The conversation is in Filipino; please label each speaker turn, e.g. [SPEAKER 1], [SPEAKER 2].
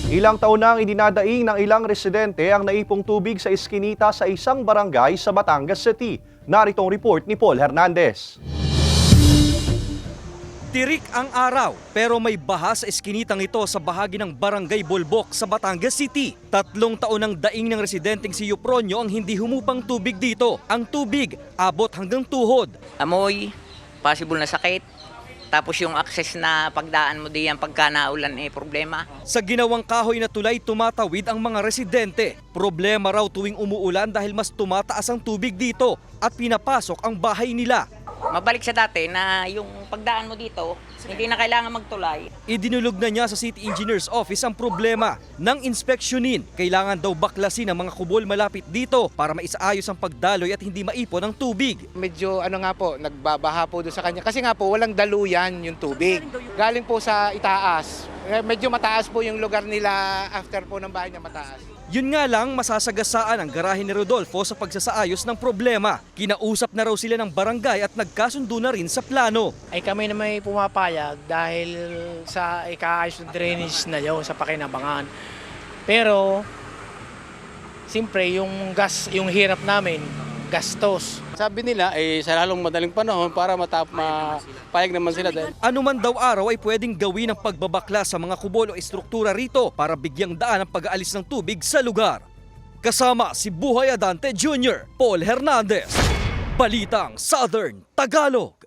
[SPEAKER 1] Ilang taon nang idinadaing ng ilang residente ang naipong tubig sa iskinita sa isang barangay sa Batangas City. Narito ang report ni Paul Hernandez.
[SPEAKER 2] Tirik ang araw pero may baha sa eskinitang ito sa bahagi ng Barangay Bolbok sa Batangas City. 3 taon ang daing ng residenteng si Eupronio ang hindi humupang tubig dito. Ang tubig abot hanggang tuhod.
[SPEAKER 3] Amoy, possible na sakit. Tapos yung access na pagdaan mo diyan pagka naulan problema.
[SPEAKER 2] Sa ginawang kahoy na tulay tumatawid ang mga residente. Problema raw tuwing umuulan dahil mas tumataas ang tubig dito at pinapasok ang bahay nila.
[SPEAKER 3] Mabalik sa dati na yung pagdaan mo dito, hindi na kailangan magtulay.
[SPEAKER 2] Idinulog na niya sa City Engineer's Office ang problema. Nang inspeksyonin, kailangan daw baklasin ang mga kubol malapit dito para maisaayos ang pagdaloy at hindi maipon ang tubig.
[SPEAKER 4] Medyo nga po, nagbabaha po doon sa kanya. Kasi nga po, walang daluyan yung tubig. Galing po sa itaas. Medyo mataas po yung lugar nila after po ng bahay niya mataas.
[SPEAKER 2] Yun nga lang, masasagasaan ang garahe ni Rodolfo sa pagsasaayos ng problema. Kinausap na raw sila ng barangay at nagkasundo na rin sa plano.
[SPEAKER 5] Ay kami na may pumapayag dahil sa ikaayos ng drainage na yun sa Pakinabangan. Pero, siyempre yung gas, yung hirap namin, gastos.
[SPEAKER 6] Sabi nila sa lalong madaling panahon para mapayag naman sila dahil.
[SPEAKER 2] Ano man daw araw ay pwedeng gawin ang pagbabakla sa mga kubol o estruktura rito para bigyang daan ang pag-aalis ng tubig sa lugar. Kasama si Buhay Adante Jr., Paul Hernandez, Balitang Southern Tagalog.